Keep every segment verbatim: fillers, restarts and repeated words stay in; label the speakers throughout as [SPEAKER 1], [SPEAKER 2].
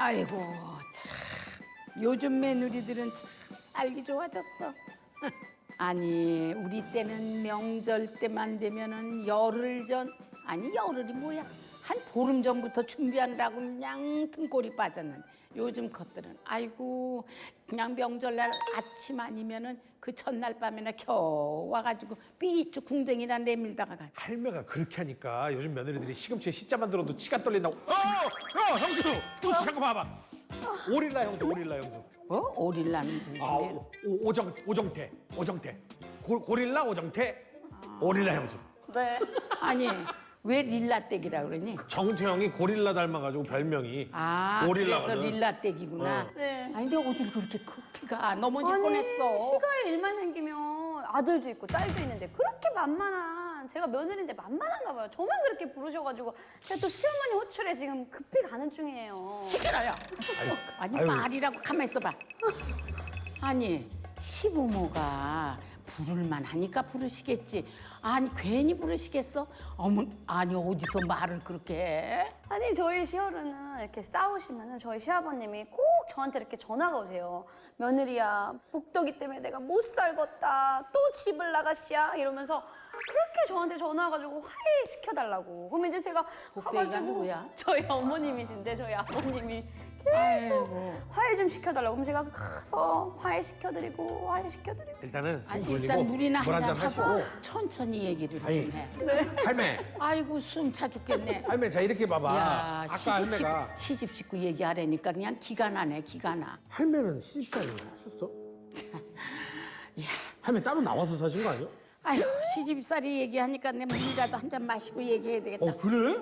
[SPEAKER 1] 아이고 참 요즘 며느리들은 참 살기 좋아졌어. 아니 우리 때는 명절 때만 되면은 열흘 전 아니 열흘이 뭐야 한 보름 전부터 준비하느라고 그냥 등골이 빠졌는데 요즘 것들은 아이고 그냥 명절날 아침 아니면은 그 첫날 밤에나 겨우 와가지고 삐쭉 궁뎅이나 내밀다가 가.
[SPEAKER 2] 할매가 그렇게 하니까 요즘 며느리들이 시금치에 시자만 들어도 치가 떨린다고. 어, 어, 형수, 형수 잠깐 봐봐. 오릴라 형수, 오릴라 형수.
[SPEAKER 1] 뭐 오릴라는
[SPEAKER 2] 아,
[SPEAKER 1] 누군데?
[SPEAKER 2] 오, 오, 오정, 오정태, 오정태. 고, 고릴라 오정태, 오릴라 형수.
[SPEAKER 3] 네.
[SPEAKER 1] 아니 왜 릴라떼기라 그러니?
[SPEAKER 2] 정태형이 고릴라 닮아가지고 별명이
[SPEAKER 1] 아
[SPEAKER 2] 오릴라거든.
[SPEAKER 1] 그래서 릴라떼기구나.
[SPEAKER 2] 어.
[SPEAKER 3] 네.
[SPEAKER 1] 아니 근데 어딜 그렇게 크기가 넘어질
[SPEAKER 3] 아니,
[SPEAKER 1] 뻔했어.
[SPEAKER 3] 시가에 일만 생기면 아들도 있고 딸도 있는데 그렇게 만만한 제가 며느리인데 만만한가 봐요. 저만 그렇게 부르셔가지고 제가 또 시어머니 호출에 지금 급히 가는 중이에요.
[SPEAKER 1] 시끄러요. 아니
[SPEAKER 2] 아유.
[SPEAKER 1] 말이라고 가만 있어봐. 아니 시부모가 부를만 하니까 부르시겠지. 아니 괜히 부르시겠어? 어머 아니 어디서 말을 그렇게 해?
[SPEAKER 3] 아니 저희 시어른은 이렇게 싸우시면은 저희 시아버님이 꼭 저한테 이렇게 전화가 오세요. 며느리야 복덕이 때문에 내가 못 살겠다. 또 집을 나가시야 이러면서 그렇게 저한테 전화 와가지고 화해시켜달라고. 그럼 이제 제가
[SPEAKER 1] 복덕이가
[SPEAKER 3] 가가지고
[SPEAKER 1] 누구야?
[SPEAKER 3] 저희 어머님이신데 저희 아버님이
[SPEAKER 1] 아이고.
[SPEAKER 3] 화해 좀 시켜달라고. 그럼 제가 가서 화해시켜드리고 화해시켜드리고.
[SPEAKER 2] 일단은
[SPEAKER 1] 아니
[SPEAKER 2] 숨
[SPEAKER 1] 일단
[SPEAKER 2] 돌리고
[SPEAKER 1] 물이나
[SPEAKER 2] 물
[SPEAKER 1] 한잔
[SPEAKER 2] 한잔
[SPEAKER 1] 하고
[SPEAKER 2] 하시고.
[SPEAKER 1] 천천히 얘기를 좀
[SPEAKER 2] 아니,
[SPEAKER 1] 해.
[SPEAKER 2] 할매,
[SPEAKER 1] 아이고 숨 차 죽겠네.
[SPEAKER 2] 할매 자 이렇게 봐봐.
[SPEAKER 1] 야
[SPEAKER 2] 아까
[SPEAKER 1] 시집
[SPEAKER 2] 할매가
[SPEAKER 1] 식구, 시집 식구 얘기하라니까 그냥 기가 나네 기가 나.
[SPEAKER 2] 할매는 시집살이 하셨어? 할매 따로 나와서 사신 거 아니야?
[SPEAKER 1] 아유 시집살이 얘기하니까 내 물이라도 한 잔 마시고 얘기해야 되겠다.
[SPEAKER 2] 어 그래?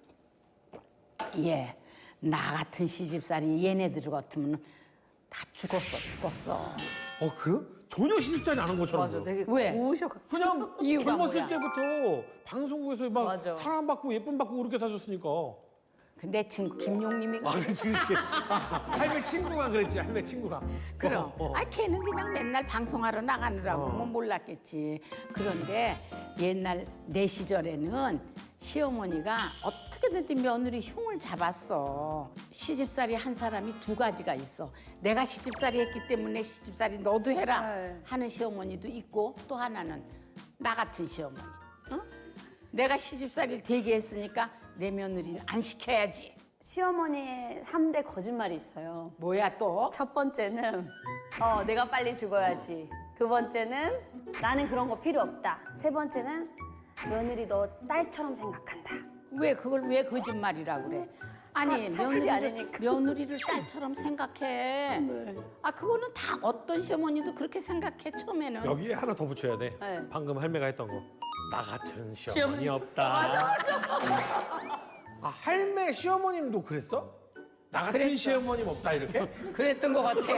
[SPEAKER 1] 예, 나 같은 시집살이 얘네들 같으면 다 죽었어 죽었어.
[SPEAKER 2] 어 그래? 전혀 시집살이 안 한 것처럼. 보여.
[SPEAKER 3] 되게
[SPEAKER 1] 왜?
[SPEAKER 3] 고우셔가지고.
[SPEAKER 2] 그냥
[SPEAKER 1] 이유가
[SPEAKER 2] 젊었을
[SPEAKER 1] 뭐야?
[SPEAKER 2] 때부터 방송국에서 막
[SPEAKER 3] 맞아.
[SPEAKER 2] 사랑받고 예쁨 받고 그렇게 사셨으니까.
[SPEAKER 1] 내 친구 김용님이
[SPEAKER 2] 아 그렇지 그렇지. 아, 할매 친구가 그랬지 할매 친구가.
[SPEAKER 1] 그럼
[SPEAKER 2] 어, 어.
[SPEAKER 1] 아 걔는 그냥 맨날 방송하러 나가느라고
[SPEAKER 2] 어.
[SPEAKER 1] 뭐 몰랐겠지. 그런데 옛날 내 시절에는 시어머니가 어떻게든지 며느리 흉을 잡았어. 시집살이 한 사람이 두 가지가 있어. 내가 시집살이 했기 때문에 시집살이 너도 해라
[SPEAKER 3] 네.
[SPEAKER 1] 하는 시어머니도 있고 또 하나는 나 같은 시어머니. 어? 내가 시집살이를 되게 했으니까 내 며느리는 안 시켜야지.
[SPEAKER 3] 시어머니의 삼 대 거짓말이 있어요.
[SPEAKER 1] 뭐야 또?
[SPEAKER 3] 첫 번째는 어 내가 빨리 죽어야지. 두 번째는 나는 그런 거 필요 없다. 세 번째는 며느리 너 딸처럼 생각한다.
[SPEAKER 1] 왜 그걸 왜 거짓말이라 그래? 아니
[SPEAKER 3] 사- 사실이
[SPEAKER 1] 며느리를,
[SPEAKER 3] 아니니까.
[SPEAKER 1] 며느리를 딸처럼 생각해. 아 그거는 다 어떤 시어머니도 그렇게 생각해 처음에는.
[SPEAKER 2] 여기에 하나 더 붙여야 돼.
[SPEAKER 3] 네.
[SPEAKER 2] 방금 할매가 했던 거. 나 같은 시어머니
[SPEAKER 3] 시어머니.
[SPEAKER 2] 없다. 맞아 맞아. 아 할매 시어머님도 그랬어? 나 같은
[SPEAKER 1] 그랬어.
[SPEAKER 2] 시어머님 없다 이렇게?
[SPEAKER 1] 그랬던 것 같아.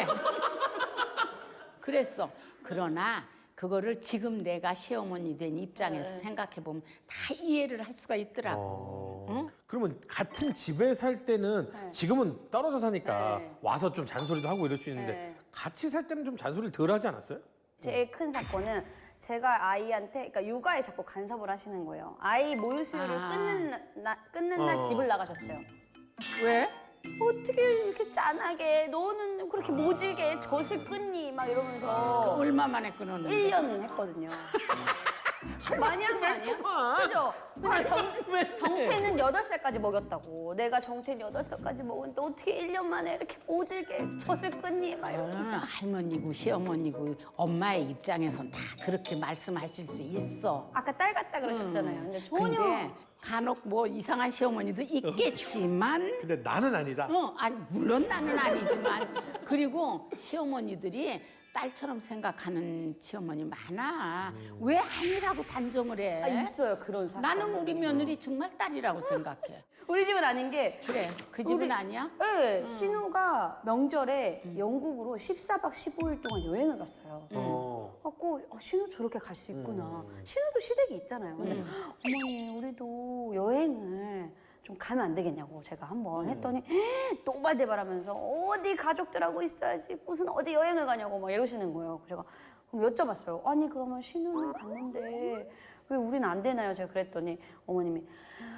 [SPEAKER 1] 그랬어. 그러나 그거를 지금 내가 시어머니 된 입장에서
[SPEAKER 3] 네.
[SPEAKER 1] 생각해 보면 다 이해를 할 수가 있더라고.
[SPEAKER 2] 어.
[SPEAKER 1] 응?
[SPEAKER 2] 그러면 같은 집에 살 때는
[SPEAKER 3] 네.
[SPEAKER 2] 지금은 떨어져 사니까
[SPEAKER 3] 네.
[SPEAKER 2] 와서 좀 잔소리도 하고 이럴 수 있는데
[SPEAKER 3] 네.
[SPEAKER 2] 같이 살 때는 좀 잔소리를 덜 하지 않았어요?
[SPEAKER 3] 제일 큰 사건은 제가 아이한테 그러니까 육아에 자꾸 간섭을 하시는 거예요. 아이 모유 수유를
[SPEAKER 1] 아.
[SPEAKER 3] 끊는 나, 나- 끊는 날
[SPEAKER 2] 어.
[SPEAKER 3] 집을 나가셨어요.
[SPEAKER 1] 왜?
[SPEAKER 3] 어떻게 이렇게 짠하게 너는 그렇게 모질게 젖을 끊니 막 이러면서
[SPEAKER 1] 얼마 만에 끊었는데?
[SPEAKER 3] 일 년 했거든요. 많이 한 거 아니야? 그죠? 근데 정, 정태는 여덟 살까지 먹였다고. 내가 정태는 여덟 살까지 먹었는데 어떻게 일 년 만에 이렇게 모질게 젖을 끊니? 막 이러면서.
[SPEAKER 1] 저는 할머니고 시어머니고 엄마의 입장에선 다 그렇게 말씀하실 수 있어.
[SPEAKER 3] 아까 딸 같다 그러셨잖아요. 근데 전혀.
[SPEAKER 1] 근데 간혹 뭐 이상한 시어머니도 있겠지만
[SPEAKER 2] 근데 나는 아니다.
[SPEAKER 1] 어, 아니 물론 나는 아니지만 그리고 시어머니들이 딸처럼 생각하는 시어머니 많아. 왜 아니라고 단정을 해?
[SPEAKER 3] 아, 있어요 그런 사람.
[SPEAKER 1] 나는 우리 며느리 정말 딸이라고 생각해.
[SPEAKER 3] 우리 집은 아닌 게
[SPEAKER 1] 그래, 그 집은
[SPEAKER 3] 우리-
[SPEAKER 1] 아니야?
[SPEAKER 3] 네, 신우가 명절에 영국으로 십사 박 십오 일 동안 여행을 갔어요.
[SPEAKER 2] 어.
[SPEAKER 3] 갖고 어, 신우 저렇게 갈 수 있구나. 신우도 시댁이 있잖아요. 근데 어머니 우리도 여행을 좀 가면 안 되겠냐고 제가 한번 했더니 또발대발하면서 어디 가족들하고 있어야지 무슨 어디 여행을 가냐고 막 이러시는 거예요. 제가 그럼 여쭤봤어요. 아니 그러면 신우는 갔는데 왜 우리는 안 되나요? 제가 그랬더니 어머님이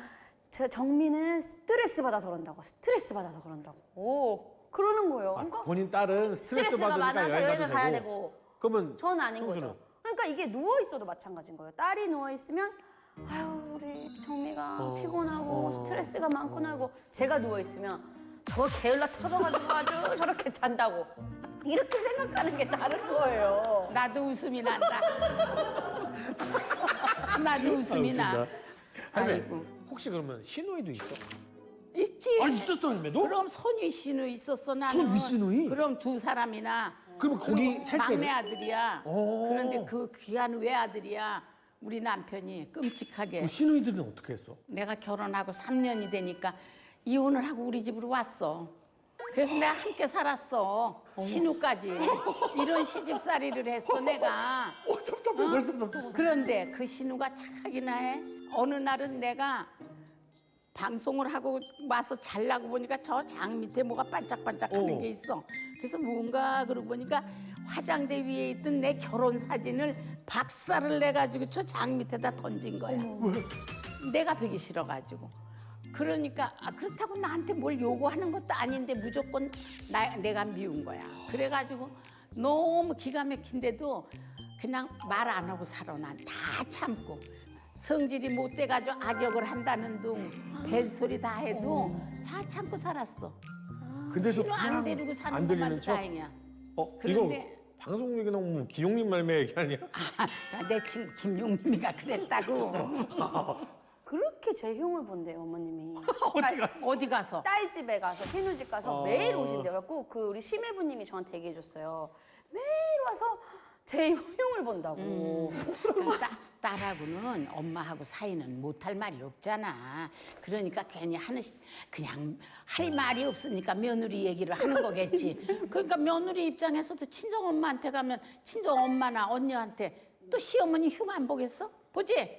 [SPEAKER 3] 제 정민은 스트레스 받아서 그런다고 스트레스 받아서 그런다고 그러는 거예요.
[SPEAKER 2] 아,
[SPEAKER 3] 그러니까
[SPEAKER 2] 본인 딸은 스트레스
[SPEAKER 3] 스트레스가
[SPEAKER 2] 받으니까
[SPEAKER 3] 많아서
[SPEAKER 2] 여행
[SPEAKER 3] 여행을
[SPEAKER 2] 가도
[SPEAKER 3] 가야
[SPEAKER 2] 되고.
[SPEAKER 3] 되고
[SPEAKER 2] 그러면
[SPEAKER 3] 전 아닌
[SPEAKER 2] 형수는?
[SPEAKER 3] 거죠. 그러니까 이게 누워 있어도 마찬가지인 거예요. 딸이 누워 있으면 아유 우리 정미가
[SPEAKER 2] 어,
[SPEAKER 3] 피곤하고
[SPEAKER 2] 어,
[SPEAKER 3] 스트레스가 많구나 하고 제가 누워 있으면 저 게을러 터져가지고 아주 저렇게 잔다고 이렇게 생각하는 게 다른 거예요.
[SPEAKER 1] 나도 웃음이 난다. 나도 웃음이 나.
[SPEAKER 2] 아, 할매,
[SPEAKER 1] 아이고.
[SPEAKER 2] 혹시 그러면 시누이도 있어?
[SPEAKER 1] 있지.
[SPEAKER 2] 아 있었어 할매도?
[SPEAKER 1] 그럼 손위 씨누이 있었어 나는.
[SPEAKER 2] 손위 씨누이?
[SPEAKER 1] 그럼 두 사람이나.
[SPEAKER 2] 그러면 거기
[SPEAKER 1] 그리고
[SPEAKER 2] 살
[SPEAKER 1] 막내
[SPEAKER 2] 때는?
[SPEAKER 1] 아들이야.
[SPEAKER 2] 오.
[SPEAKER 1] 그런데 그 귀한 외아들이야. 우리 남편이 끔찍하게.
[SPEAKER 2] 그럼 시누이들은 어떻게 했어?
[SPEAKER 1] 내가 결혼하고 삼 년이 되니까 이혼을 하고 우리 집으로 왔어. 그래서 내가 함께 살았어. 신우까지. 이런 시집살이를 했어 내가.
[SPEAKER 2] 어 답답해 벌써 답답해.
[SPEAKER 1] 그런데 그 신우가 착하기나 해. 어느 날은 내가 방송을 하고 와서 잘라고 보니까 저 장 밑에 뭐가 반짝반짝하는
[SPEAKER 2] 어.
[SPEAKER 1] 게 있어. 그래서 뭔가 그러고 보니까 화장대 위에 있던 내 결혼 사진을 박살을 내가지고 저 장 밑에다 던진 거야. 내가 보기 싫어가지고. 그러니까 아, 그렇다고 나한테 뭘 요구하는 것도 아닌데 무조건 나, 내가 미운 거야. 그래가지고 너무 기가 막힌데도 그냥 말 안 하고 살아. 난 다 참고. 성질이 못 돼가지고 악역을 한다는 둥 뱃소리 다 해도 다 참고 살았어.
[SPEAKER 2] 근데도
[SPEAKER 1] 신호 안
[SPEAKER 2] 그냥
[SPEAKER 1] 데리고 사는
[SPEAKER 2] 안
[SPEAKER 1] 것만
[SPEAKER 2] 들리는 척?
[SPEAKER 1] 다행이야.
[SPEAKER 2] 어
[SPEAKER 1] 그런데-
[SPEAKER 2] 이거 방송 얘기 나오면 기용님 말매 얘기 아니야?
[SPEAKER 1] 아, 내 친구 김용민이가 그랬다고.
[SPEAKER 3] 그렇게 제 흉을 본대요 어머님이.
[SPEAKER 2] 어디 갔어?
[SPEAKER 1] 어디 가서?
[SPEAKER 3] 딸 집에 가서 신우 집 가서
[SPEAKER 2] 어.
[SPEAKER 3] 매일 오신대요. 그래갖고 그 우리 심해부님이 저한테 얘기해줬어요. 매일 와서 제 흉을 본다고.
[SPEAKER 1] 그러니까 따, 딸하고는 엄마하고 사이는 못할 말이 없잖아. 그러니까 괜히 하는 시- 그냥 할 말이 없으니까 며느리 얘기를 하는 거겠지. 그러니까 며느리 입장에서도 친정 엄마한테 가면 친정 엄마나 언니한테 또 시어머니 흉 안 보겠어? 보지?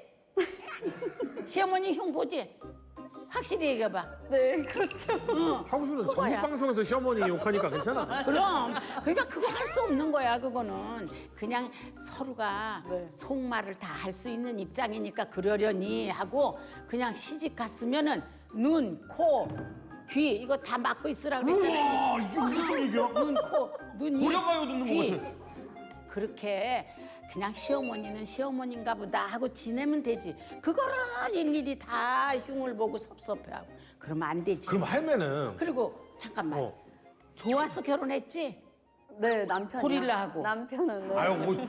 [SPEAKER 1] 시어머니 흉 보지? 확실히 얘기해봐.
[SPEAKER 3] 네, 그렇죠.
[SPEAKER 1] 응.
[SPEAKER 2] 형수는
[SPEAKER 1] 그거야.
[SPEAKER 2] 전국 방송에서 시어머니 욕하니까 괜찮아.
[SPEAKER 1] 그럼 그러니까 그거 할 수 없는 거야. 그거는 그냥 서로가
[SPEAKER 3] 네.
[SPEAKER 1] 속말을 다 할 수 있는 입장이니까 그러려니 하고 그냥 시집 갔으면은 눈, 코, 귀 이거 다 막고 있으라 그랬잖아.
[SPEAKER 2] 우와 이게 우리 쪽 얘기야?
[SPEAKER 1] 눈, 코, 눈, 입,
[SPEAKER 2] 고려가요 듣는
[SPEAKER 1] 귀.
[SPEAKER 2] 것 같아.
[SPEAKER 1] 그렇게 그냥 시어머니는 시어머니인가 보다 하고 지내면 되지. 그거를 일일이 다 흉을 보고 섭섭해하고 그러면 안 되지.
[SPEAKER 2] 그럼 할매는
[SPEAKER 1] 그리고 잠깐만.
[SPEAKER 2] 어.
[SPEAKER 1] 좋아서 결혼했지?
[SPEAKER 3] 네, 남편이
[SPEAKER 1] 고릴라하고.
[SPEAKER 3] 남편은 네.
[SPEAKER 2] 아유 뭐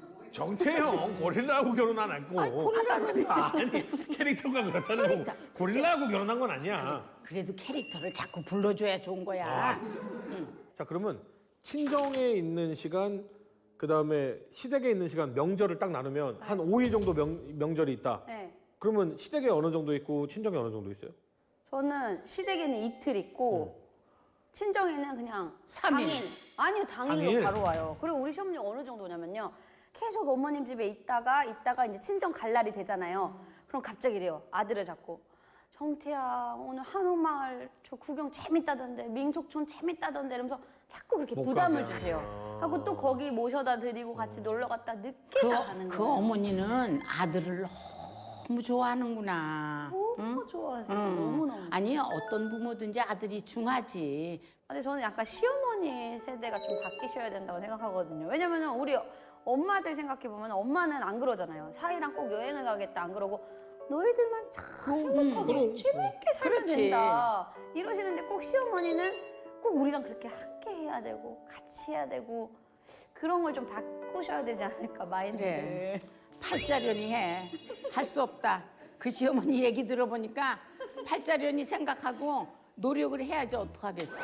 [SPEAKER 2] 정태형 고릴라하고 결혼 안 했고
[SPEAKER 1] 아니, 고릴라는
[SPEAKER 2] 아니 캐릭터가 그렇다는 거
[SPEAKER 1] 캐릭터.
[SPEAKER 2] 고릴라하고 결혼한 건 아니야.
[SPEAKER 1] 그래도 캐릭터를 자꾸 불러줘야 좋은 거야.
[SPEAKER 2] 아, 자 그러면 친정에 있는 시간 그 다음에 시댁에 있는 시간 명절을 딱 나누면 한 오 일 정도 명, 명절이 있다.
[SPEAKER 3] 네.
[SPEAKER 2] 그러면 시댁에 어느 정도 있고 친정에 어느 정도 있어요?
[SPEAKER 3] 저는 시댁에는 이틀 있고 친정에는 그냥
[SPEAKER 1] 삼 일.
[SPEAKER 3] 당일. 아니요, 당일로
[SPEAKER 2] 당일?
[SPEAKER 3] 바로 와요. 그리고 우리 시어머니 어느 정도냐면요. 계속 어머님 집에 있다가 있다가 이제 친정 갈 날이 되잖아요. 그럼 갑자기 이래요. 아들을 잡고 정태야 오늘 한옥마을 저 구경 재밌다던데 민속촌 재밌다던데 이러면서 자꾸 그렇게
[SPEAKER 2] 못
[SPEAKER 3] 부담을
[SPEAKER 2] 가게.
[SPEAKER 3] 주세요.
[SPEAKER 2] 아.
[SPEAKER 3] 하고 또 거기 모셔다 드리고 같이 놀러 갔다 늦게
[SPEAKER 1] 그,
[SPEAKER 3] 가는
[SPEAKER 1] 그
[SPEAKER 3] 거예요.
[SPEAKER 1] 어머니는 아들을 너무 좋아하는구나.
[SPEAKER 3] 너무 좋아하세요.
[SPEAKER 1] 응.
[SPEAKER 3] 너무너무.
[SPEAKER 1] 아니 어떤 부모든지 아들이 중하지.
[SPEAKER 3] 근데 저는 약간 시어머니 세대가 좀 바뀌셔야 된다고 생각하거든요. 왜냐면은 우리 엄마들 생각해 보면 엄마는 안 그러잖아요. 사이랑 꼭 여행을 가겠다 안 그러고 너희들만 잘 행복하고
[SPEAKER 2] 그럼.
[SPEAKER 3] 재밌게 살면
[SPEAKER 1] 그렇지.
[SPEAKER 3] 된다 이러시는데 꼭 시어머니는 꼭 우리랑 그렇게 함께 해야 되고 같이 해야 되고 그런 걸 좀 바꾸셔야 되지 않을까 마인드를.
[SPEAKER 1] 그래. 팔자련이 해. 할 수 없다. 그 시어머니 얘기 들어보니까 팔자련이 생각하고 노력을 해야지 어떡하겠어.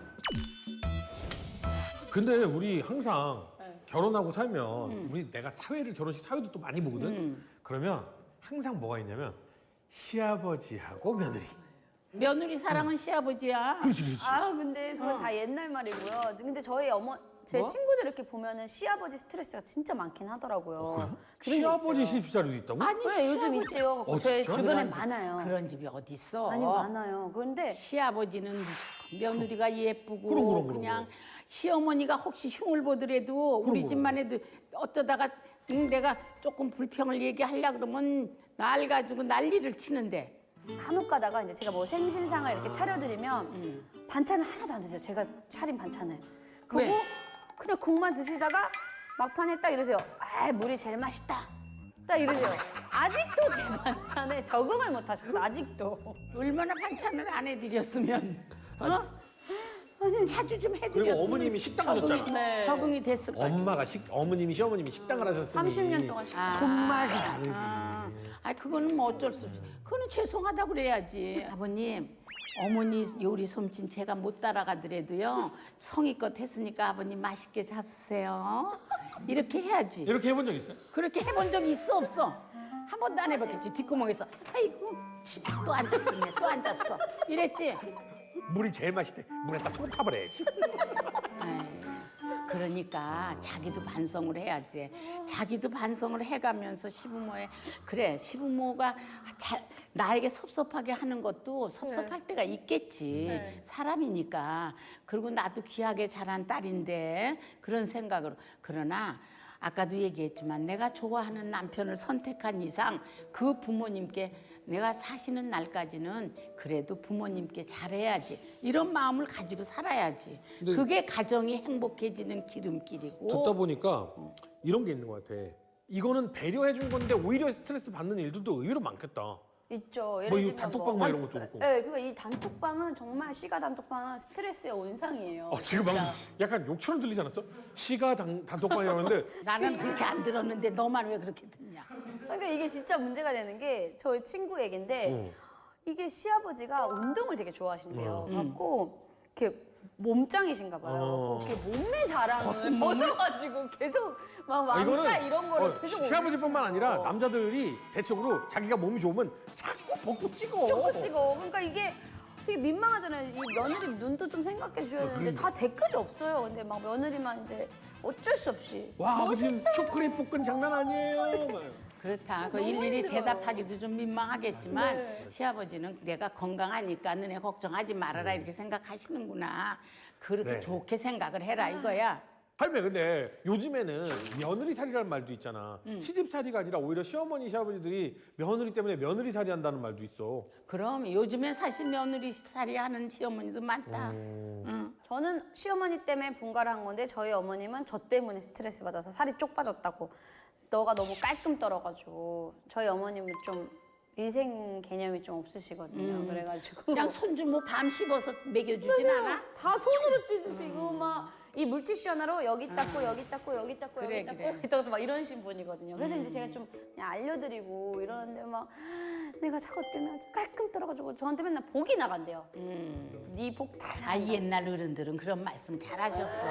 [SPEAKER 2] 근데 우리 항상
[SPEAKER 3] 네.
[SPEAKER 2] 결혼하고 살면 우리 내가 사회를 결혼식 사회도 또 많이 보거든.
[SPEAKER 1] 음.
[SPEAKER 2] 그러면 항상 뭐가 있냐면 시아버지하고 며느리.
[SPEAKER 1] 며느리 사랑은 시아버지야.
[SPEAKER 2] 그렇지 그렇지.
[SPEAKER 3] 아 근데 그건
[SPEAKER 1] 어.
[SPEAKER 3] 다 옛날 말이고요. 근데 저희 어머 제
[SPEAKER 1] 뭐?
[SPEAKER 3] 친구들 이렇게 보면은 시아버지 스트레스가 진짜 많긴 하더라고요. 그런 게
[SPEAKER 2] 시아버지
[SPEAKER 3] 있어요.
[SPEAKER 2] 시집살이도 있다고?
[SPEAKER 1] 아니
[SPEAKER 3] 그래 요즘
[SPEAKER 1] 시아버지.
[SPEAKER 3] 있대요.
[SPEAKER 2] 어,
[SPEAKER 3] 제
[SPEAKER 2] 진짜?
[SPEAKER 3] 주변에
[SPEAKER 1] 그런 집-
[SPEAKER 3] 많아요.
[SPEAKER 1] 그런 집이 어디 있어?
[SPEAKER 3] 아니 많아요. 그런데
[SPEAKER 1] 시아버지는 무조건 며느리가 예쁘고
[SPEAKER 2] 그럼, 그럼, 그럼,
[SPEAKER 1] 그냥
[SPEAKER 2] 그럼.
[SPEAKER 1] 시어머니가 혹시 흉을 보더라도 우리
[SPEAKER 2] 그럼,
[SPEAKER 1] 집만 해도 어쩌다가 응, 내가 조금 불평을 얘기하려 그러면 날 가지고 난리를 치는데
[SPEAKER 3] 간혹 가다가 이제 제가 뭐 생신상을 이렇게 차려드리면
[SPEAKER 1] 음.
[SPEAKER 3] 반찬을 하나도 안 드세요. 제가 차린 반찬을.
[SPEAKER 1] 왜?
[SPEAKER 3] 그리고 그냥 국만 드시다가 막판에 딱 이러세요. 아, 물이 제일 맛있다. 딱 이러세요. 아직도 제 반찬에 적응을 못 하셨어. 아직도.
[SPEAKER 1] 얼마나 반찬을 안 해드렸으면 어? 자주 좀 해드렸으면
[SPEAKER 2] 그리고 어머님이 식당
[SPEAKER 1] 적응이,
[SPEAKER 2] 하셨잖아.
[SPEAKER 3] 네.
[SPEAKER 1] 적응이 됐을 거야.
[SPEAKER 2] 엄마가 식 어머님이 시어머님이 식당을 하셨으니
[SPEAKER 3] 삼십 년 동안 식-
[SPEAKER 1] 아,
[SPEAKER 2] 손맛이 다르지.
[SPEAKER 1] 아, 아, 그거는 뭐 어쩔 수 없지. 그거는 죄송하다고 그래야지. 아버님, 어머니 요리 솜씨 제가 못 따라가더라도요. 성의껏 했으니까 아버님 맛있게 잡수세요. 이렇게 해야지.
[SPEAKER 2] 이렇게 해본 적 있어요?
[SPEAKER 1] 그렇게 해본 적이 있어 없어? 한 번도 안 해봤겠지. 뒷구멍에서 아이고 또 안 잡수네 또 안 잡숴 이랬지.
[SPEAKER 2] 물이 제일 맛있대. 물에다 소금 타버려야지.
[SPEAKER 1] 에이, 그러니까 자기도 반성을 해야지. 자기도 반성을 해가면서 시부모의 그래 시부모가 잘 나에게 섭섭하게 하는 것도 섭섭할 때가 있겠지.
[SPEAKER 3] 네.
[SPEAKER 1] 사람이니까. 그리고 나도 귀하게 자란 딸인데 그런 생각으로. 그러나 아까도 얘기했지만 내가 좋아하는 남편을 선택한 이상 그 부모님께 내가 사시는 날까지는 그래도 부모님께 잘해야지. 이런 마음을 가지고 살아야지.
[SPEAKER 2] 근데
[SPEAKER 1] 그게 가정이 행복해지는 기름길이고.
[SPEAKER 2] 듣다 보니까 이런 게 있는 것 같아. 이거는 배려해 준 건데 오히려 스트레스 받는 일들도 의외로 많겠다.
[SPEAKER 3] 있죠. 예를
[SPEAKER 2] 뭐 이
[SPEAKER 3] 들면
[SPEAKER 2] 단톡방 뭐 이런 것도 그렇고.
[SPEAKER 3] 네, 그러니까 이 단톡방은 정말 시가 단톡방은 스트레스의 온상이에요.
[SPEAKER 2] 어, 지금 막 약간 욕처럼 들리지 않았어? 시가 단, 단톡방이라는데
[SPEAKER 1] 나는 그렇게 안 들었는데 너만 왜 그렇게 듣냐?
[SPEAKER 3] 그러니까 이게 진짜 문제가 되는 게 저희 친구 얘긴데
[SPEAKER 2] 어.
[SPEAKER 3] 이게 시아버지가 운동을 되게 좋아하신대요.
[SPEAKER 2] 어.
[SPEAKER 3] 갖고 이렇게 몸짱이신가 봐요.
[SPEAKER 2] 어.
[SPEAKER 3] 그 이렇게 몸매 자랑을
[SPEAKER 1] 벗은 몸을?
[SPEAKER 3] 벗어가지고 계속 막
[SPEAKER 2] 아,
[SPEAKER 3] 왕자 이런 거를
[SPEAKER 2] 어,
[SPEAKER 3] 계속
[SPEAKER 2] 시아버지뿐만 아니라
[SPEAKER 3] 올리시고.
[SPEAKER 2] 남자들이 대체적으로 자기가 몸이 좋으면 자꾸 벗고 찍어.
[SPEAKER 3] 쇼크 찍어. 그러니까 이게 되게 민망하잖아요. 이 며느리 눈도 좀 생각해 주셔야 되는데 다 댓글이 없어요. 근데 막 며느리만 이제 어쩔 수 없이
[SPEAKER 2] 와 아버님
[SPEAKER 3] 멋있어요.
[SPEAKER 2] 초콜릿 볶은 장난 아니에요. 막.
[SPEAKER 1] 그렇다. 그
[SPEAKER 3] 너무
[SPEAKER 1] 일일이
[SPEAKER 3] 힘들어요.
[SPEAKER 1] 대답하기도 좀 민망하겠지만
[SPEAKER 3] 네.
[SPEAKER 1] 시아버지는 내가 건강하니까 너네 걱정하지 말아라 이렇게 생각하시는구나. 그렇게
[SPEAKER 2] 네.
[SPEAKER 1] 좋게 생각을 해라 이거야.
[SPEAKER 2] 할매 근데 요즘에는 며느리살이라는 말도 있잖아. 시집살이가 아니라 오히려 시어머니 시아버지들이 며느리 때문에 며느리살이 한다는 말도 있어.
[SPEAKER 1] 그럼 요즘에 사실 며느리 살이 하는 시어머니도 많다. 응.
[SPEAKER 3] 저는 시어머니 때문에 분가를 한 건데 저희 어머님은 저 때문에 스트레스 받아서 살이 쪽 빠졌다고. 너가 너무 깔끔 떨어가지고 저희 어머님은 좀 위생 개념이 좀 없으시거든요. 그래가지고
[SPEAKER 1] 그냥 손주 뭐 밤 씹어서 먹여주진 않아?
[SPEAKER 3] 다 손으로 찢으시고 막 이 물티슈 하나로 여기 닦고 여기 닦고 여기 닦고
[SPEAKER 1] 그래,
[SPEAKER 3] 여기 닦고
[SPEAKER 1] 그래.
[SPEAKER 3] 여기 닦고 막 이러신 분이거든요. 그래서 이제 제가 좀 그냥 알려드리고 이러는데 막 내가 저것 때문에 아주 깔끔 떨어가지고 저한테 맨날 복이 나간대요. 네 복 다
[SPEAKER 1] 아 옛날 어른들은 그런 말씀 잘하셨어.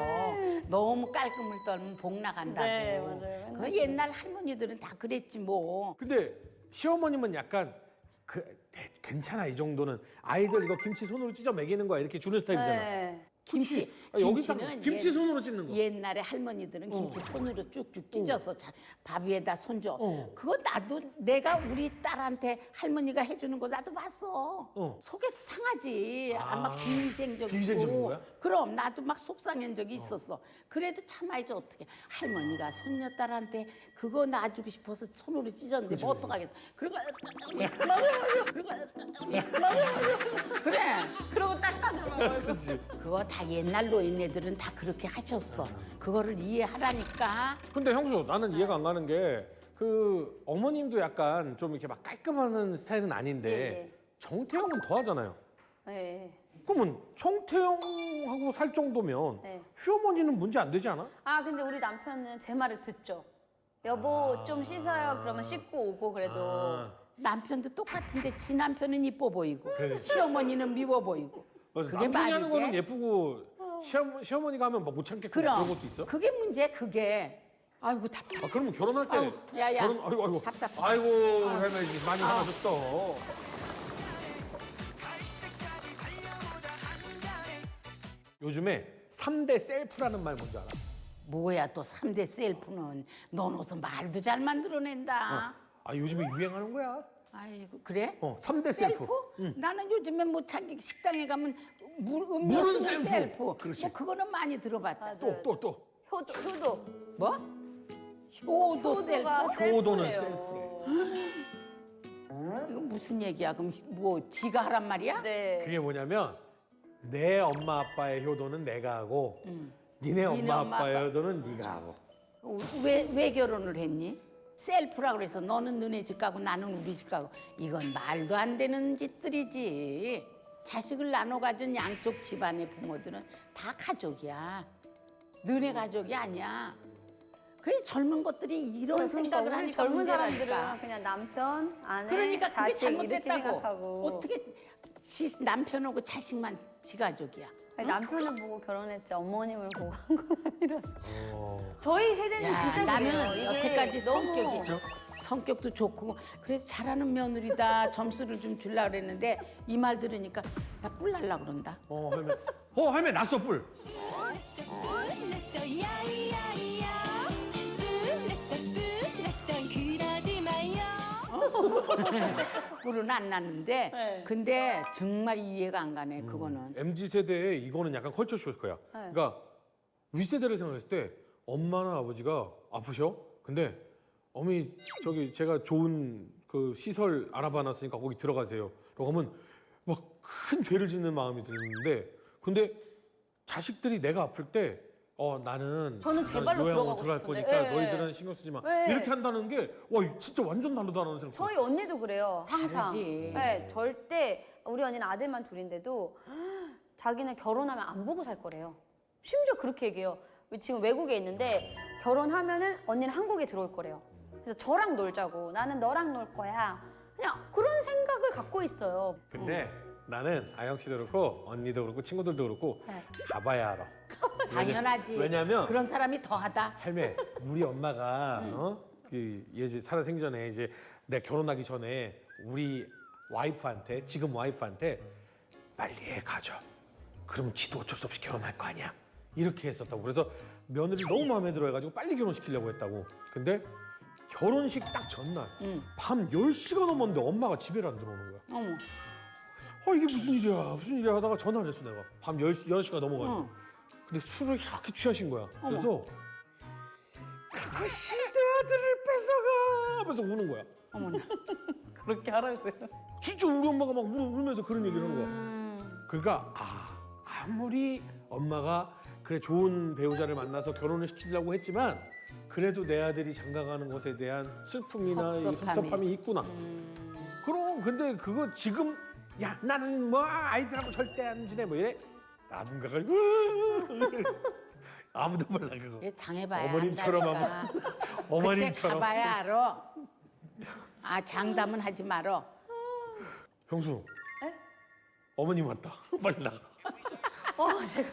[SPEAKER 1] 너무 깔끔을 떨면 복 나간다고.
[SPEAKER 3] 네, 맞아요.
[SPEAKER 1] 그 옛날 할머니들은 다 그랬지 뭐.
[SPEAKER 2] 근데 시어머님은 약간 그 대- 괜찮아 이 정도는 아이들 이거 김치 손으로 찢어 먹이는 거야 이렇게 주는 스타일이잖아.
[SPEAKER 3] 네.
[SPEAKER 1] 김치.
[SPEAKER 2] 아, 여기 딱
[SPEAKER 1] 김치는
[SPEAKER 2] 김치
[SPEAKER 1] 옛-
[SPEAKER 2] 손으로 찢는 거.
[SPEAKER 1] 옛날에 할머니들은 김치 손으로 쭉쭉 찢어서 자- 밥 위에다 손줘.
[SPEAKER 2] 어.
[SPEAKER 1] 그거 나도 내가 우리 딸한테 할머니가 해주는 거 나도 봤어.
[SPEAKER 2] 어.
[SPEAKER 1] 속에서 상하지. 아, 막
[SPEAKER 2] 아,
[SPEAKER 1] 비위생적이고.
[SPEAKER 2] 비위생적인 거야?
[SPEAKER 1] 그럼 나도 막 속상한 적이 있었어. 그래도 참아야지 어떻게. 할머니가 손녀딸한테 그거 놔주고 싶어서 손으로 찢었는데 뭐 어떡하겠어. 그리고 맞아 맞아. 그리고 맞아 그래.
[SPEAKER 3] 그러고 닦아줘요.
[SPEAKER 1] 그거 다 옛날 노인네들은 다 그렇게 하셨어. 그거를 이해하라니까.
[SPEAKER 2] 근데 형수 나는 이해가 안 가는 게 그 어머님도 약간 좀 이렇게 막 깔끔하는 스타일은 아닌데
[SPEAKER 3] 예, 예.
[SPEAKER 2] 정태영은 더 하잖아요.
[SPEAKER 3] 네.
[SPEAKER 2] 그러면 정태영하고 살 정도면
[SPEAKER 3] 네.
[SPEAKER 2] 시어머니는 문제 안 되지 않아?
[SPEAKER 3] 아 근데 우리 남편은 제 말을 듣죠. 여보 좀 씻어요. 그러면 씻고 오고 그래도
[SPEAKER 2] 아,
[SPEAKER 1] 남편도 똑같은데 지 남편은 이뻐 보이고
[SPEAKER 2] 그래.
[SPEAKER 1] 시어머니는 미워 보이고.
[SPEAKER 2] 맞아.
[SPEAKER 1] 그게
[SPEAKER 2] 남편이
[SPEAKER 1] 말이
[SPEAKER 2] 하는 거는
[SPEAKER 1] 돼?
[SPEAKER 2] 예쁘고 시어머, 시어머니가 하면 막 못 참겠고
[SPEAKER 1] 그럼
[SPEAKER 2] 그런 것도 있어?
[SPEAKER 1] 그게 문제 그게. 아이고 답답.
[SPEAKER 2] 아 그러면 결혼할 때
[SPEAKER 1] 아우, 야, 야.
[SPEAKER 2] 결혼 아이고 아이고
[SPEAKER 1] 답답해.
[SPEAKER 2] 아이고 할머니 많이 화나셨어. 요즘에 삼 대 셀프라는 말 뭔지 알아?
[SPEAKER 1] 뭐야 또 삼 대 셀프는 넌 무슨 말도 잘 만들어낸다.
[SPEAKER 2] 아 요즘에 유행하는 거야.
[SPEAKER 1] 아이고 그래?
[SPEAKER 2] 어, 삼 대 셀프.
[SPEAKER 1] 셀프? 나는 요즘에 뭐 자기 식당에 가면 물
[SPEAKER 2] 물은
[SPEAKER 1] 음료수는
[SPEAKER 2] 셀프.
[SPEAKER 1] 셀프.
[SPEAKER 2] 그렇지.
[SPEAKER 1] 뭐 그거는 많이 들어봤다.
[SPEAKER 3] 맞아요.
[SPEAKER 2] 또 또 또.
[SPEAKER 3] 효도 효도
[SPEAKER 1] 뭐? 효도 셀프.
[SPEAKER 3] 효도가
[SPEAKER 2] 효도는
[SPEAKER 3] 셀프래요.
[SPEAKER 1] 이거 무슨 얘기야? 그럼 뭐 지가 하란 말이야?
[SPEAKER 3] 네.
[SPEAKER 2] 그게 뭐냐면 내 엄마 아빠의 효도는 내가 하고
[SPEAKER 1] 음.
[SPEAKER 2] 니네 엄마,
[SPEAKER 1] 니네 엄마,
[SPEAKER 2] 아빠의
[SPEAKER 1] 아빠.
[SPEAKER 2] 효도는 네가 하고.
[SPEAKER 1] 왜, 왜 결혼을 했니? 셀프라 그래서 너는 너네 집 가고 나는 우리 집 가고 이건 말도 안 되는 짓들이지. 자식을 나눠 가진 양쪽 집안의 부모들은 다 가족이야. 너네 가족이 아니야. 그 젊은 것들이 이런 생각을
[SPEAKER 3] 우리
[SPEAKER 1] 하니까
[SPEAKER 3] 젊은
[SPEAKER 1] 문제라니까.
[SPEAKER 3] 사람들은 그냥 남편, 아내,
[SPEAKER 1] 그러니까 그게
[SPEAKER 3] 자식 이렇게
[SPEAKER 1] 잘못됐다고.
[SPEAKER 3] 생각하고
[SPEAKER 1] 어떻게 지, 남편하고 자식만 지 가족이야.
[SPEAKER 3] 아니, 남편을 보고 결혼했지 어머님을 보고 한 건 아니라서
[SPEAKER 2] 어.
[SPEAKER 3] 저희 세대는
[SPEAKER 1] 야,
[SPEAKER 3] 진짜
[SPEAKER 1] 나는
[SPEAKER 3] 그래요. 이게
[SPEAKER 1] 여태까지
[SPEAKER 3] 너무
[SPEAKER 1] 성격이 성격도 좋고 그래서 잘하는 며느리다 점수를 좀 주려고 그랬는데 이 말 들으니까 나 뿔 날라 그런다.
[SPEAKER 2] 어 할매. 어 할매 났어 뿔.
[SPEAKER 4] 불렀어 야야야 불렀어 불렀어 그러지 마요.
[SPEAKER 1] 뿔은 안 났는데
[SPEAKER 3] 네.
[SPEAKER 1] 근데 정말 이해가 안 가네 그거는.
[SPEAKER 2] 엠지 세대에 이거는 약간 컬처 쇼크야.
[SPEAKER 3] 네.
[SPEAKER 2] 그러니까 윗세대를 생각했을 때 엄마나 아버지가 아프셔. 근데 어머니 저기 제가 좋은 그 시설 알아봐놨으니까 거기 들어가세요. 라고 하면 막 큰 죄를 짓는 마음이 드는데 근데 자식들이 내가 아플 때 어 나는
[SPEAKER 3] 저는 제 발로
[SPEAKER 2] 요양원
[SPEAKER 3] 들어가고
[SPEAKER 2] 들어갈
[SPEAKER 3] 싶은데.
[SPEAKER 2] 거니까
[SPEAKER 3] 예.
[SPEAKER 2] 너희들은 신경 쓰지 마.
[SPEAKER 3] 예.
[SPEAKER 2] 이렇게 한다는 게 와 진짜 완전 다르다는 생각.
[SPEAKER 3] 저희 언니도 그래요. 항상.
[SPEAKER 1] 다르지.
[SPEAKER 3] 네, 절대 우리 언니는 아들만 둘인데도 자기는 결혼하면 안 보고 살 거래요. 심지어 그렇게 얘기해요. 지금 외국에 있는데 결혼하면은 언니는 한국에 들어올 거래요. 그래서 저랑 놀자고 나는 너랑 놀 거야. 그냥 그런 생각을 갖고 있어요.
[SPEAKER 2] 근데 나는 아영 씨도 그렇고 언니도 그렇고 친구들도 그렇고
[SPEAKER 3] 네.
[SPEAKER 2] 가봐야 알아.
[SPEAKER 1] 당연하지.
[SPEAKER 2] 왜냐면
[SPEAKER 1] 그런 사람이 더하다.
[SPEAKER 2] 할매 우리 엄마가 어? 그 예지 살아 생기 전에 이제 내가 결혼하기 전에 우리 와이프한테 지금 와이프한테 빨리 애 가져. 그러면 지도 어쩔 수 없이 결혼할 거 아니야. 이렇게 했었다고. 그래서 며느리 너무 마음에 들어 해가지고 빨리 결혼시키려고 했다고. 근데 결혼식 딱 전날
[SPEAKER 1] 응.
[SPEAKER 2] 밤 열 시가 넘었는데 엄마가 집에를 안 들어오는 거야.
[SPEAKER 1] 어머.
[SPEAKER 2] 어 이게 무슨 일이야 무슨 일이야 하다가 전화를 했어 내가 밤 열 시, 열한 시가 넘어가지고
[SPEAKER 1] 응.
[SPEAKER 2] 근데 술을 이렇게 취하신 거야
[SPEAKER 1] 어머.
[SPEAKER 2] 그래서 그것이 내 아들을 뺏어가 하면서 우는 거야
[SPEAKER 1] 어머나.
[SPEAKER 3] 그렇게 하라고요.
[SPEAKER 2] 진짜 우리 엄마가 막 울, 울면서 그런 얘기를 하는 거야
[SPEAKER 1] 음.
[SPEAKER 2] 그러니까 아 아무리 엄마가 그래 좋은 배우자를 만나서 결혼을 시키려고 했지만 그래도 내 아들이 장가가는 것에 대한 슬픔이나 이
[SPEAKER 1] 섭섭함이.
[SPEAKER 2] 섭섭함이 있구나
[SPEAKER 1] 음.
[SPEAKER 2] 그럼 근데 그거 지금 야 나는 뭐 아이들하고 절대 안 지내 뭐 이래 나중 가가지고 아무도 몰라 그거
[SPEAKER 1] 얘 당해봐야
[SPEAKER 2] 어머님처럼
[SPEAKER 1] 한다니까.
[SPEAKER 2] 한번
[SPEAKER 1] 그때
[SPEAKER 2] 어머님처럼
[SPEAKER 1] 가봐야 알아. 아 장담은 하지 말어.
[SPEAKER 2] 형수 어머님 왔다 빨리 나가
[SPEAKER 3] 어, 제가